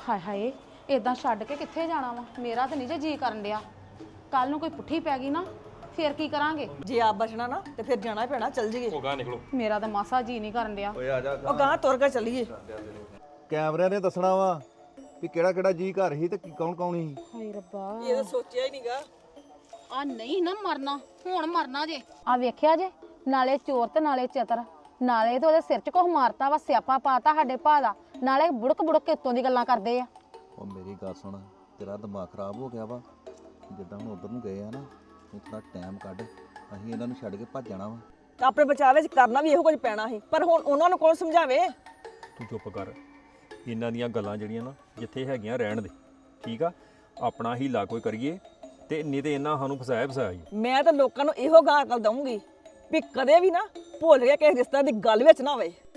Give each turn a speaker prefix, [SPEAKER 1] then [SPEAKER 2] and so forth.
[SPEAKER 1] ਹਾਏ ਹਾਏ ਇਦਾਂ ਛੱਡ ਕੇ ਕਿੱਥੇ ਜਾਣਾ ਵਾ ਮੇਰਾ ਤਾਂ ਨਹੀਂ ਜੇ ਜੀ ਕਰਨ ਡਿਆ ਕੱਲ ਨੂੰ ਕੋਈ ਪੁੱਠੀ ਪੈ ਗਈ ਨਾ ਫੇਰ ਕੀ ਕਰਾਂਗੇ
[SPEAKER 2] ਜੇ ਆਪ ਬਚਣਾ ਨਾ ਤੇ ਫਿਰ ਜਾਣਾ ਹੀ ਪੈਣਾ, ਚੱਲ ਜੀਏ।
[SPEAKER 3] ਉਹ ਗਾਂ ਨਿਕਲੋ।
[SPEAKER 1] ਮੇਰਾ ਤਾਂ ਮਾਸਾ ਜੀ ਨਹੀਂ ਕਰਨ ਡਿਆ
[SPEAKER 3] ਓਏ ਆ ਜਾ
[SPEAKER 2] ਉਹ ਗਾਂ ਤੁਰ ਕੇ ਚੱਲੀਏ।
[SPEAKER 4] ਕੈਮਰਿਆਂ ਨੇ ਦੱਸਣਾ ਵਾ ਵੀ ਕਿਹੜਾ ਕਿਹੜਾ ਜੀ ਘਰ ਸੀ ਤੇ ਕੌਣ ਕੌਣ ਸੀ।
[SPEAKER 1] ਹਾਏ ਰੱਬਾ
[SPEAKER 2] ਇਹ ਤਾਂ ਸੋਚਿਆ ਹੀ ਨਹੀਂਗਾ।
[SPEAKER 1] ਆ ਨਹੀਂ ਨਾ ਮਰਨਾ ਹੁਣ ਮਰਨਾ ਜੇ ਆ ਵੇਖਿਆ ਜੇ ਨਾਲੇ ਚੋਰ ਤੇ ਨਾਲੇ ਚਤਰ ਨਾਲੇ ਤੇ ਉਹਦੇ ਸਿਰ 'ਚ ਕੁਝ ਮਾਰਤਾ ਵਾ ਸਿਆਪਾ ਪਾਤਾ ਸਾਡੇ ਭਾ ਦਾ ਨਾਲੇ ਬੁੜਕ ਬੁੜਕ ਕੇ ਉੱਤੋਂ ਦੀ ਗੱਲਾਂ ਕਰਦੇ ਆ
[SPEAKER 4] ਉਹ ਮੇਰੀ ਗੱਲ ਸੁਣ, ਤੇਰਾ ਦਿਮਾਗ ਖਰਾਬ ਹੋ ਗਿਆ ਵਾ। ਜਿੱਦਾਂ ਹੁਣ ਉਧਰ ਨੂੰ ਗਏ ਆ ਨਾ, ਤੂੰ ਥੋੜਾ ਟਾਈਮ ਕੱਢ, ਅਸੀਂ ਇਹਨਾਂ ਨੂੰ ਛੱਡ ਕੇ ਭੱਜ ਜਾਣਾ ਵਾ।
[SPEAKER 2] ਆਪਣੇ ਬਚਾਅ ਵਿੱਚ ਕਰਨਾ ਵੀ ਇਹੋ ਕੁਝ ਪੈਣਾ ਸੀ, ਪਰ ਹੁਣ ਉਹਨਾਂ ਨੂੰ ਕੌਣ ਸਮਝਾਵੇ।
[SPEAKER 3] ਤੂੰ ਚੁੱਪ ਕਰ। ਇਹਨਾਂ ਦੀਆਂ ਗੱਲਾਂ ਜਿਹੜੀਆਂ ਨਾ ਜਿੱਥੇ ਹੈਗੀਆਂ ਰਹਿਣ ਦੇ, ਠੀਕ ਆ। ਆਪਣਾ ਹੀਲਾ ਕੋਈ ਕਰੀਏ ਤੇ ਨਹੀਂ ਤੇ ਇਹਨਾਂ ਸਾਨੂੰ ਫਸਾਇਆ ਹੀ।
[SPEAKER 2] ਮੈਂ ਤਾਂ ਲੋਕਾਂ ਨੂੰ ਇਹੋ ਗਾਂ ਅਕਲ ਦਊਂਗੀ ਵੀ ਕਦੇ ਵੀ ਨਾ ਭੁੱਲ ਕੇ ਕਿਸੇ ਰਿਸ਼ਤੇ ਦੀ ਗੱਲ ਵਿੱਚ ਨਾ ਹੋਵੇ।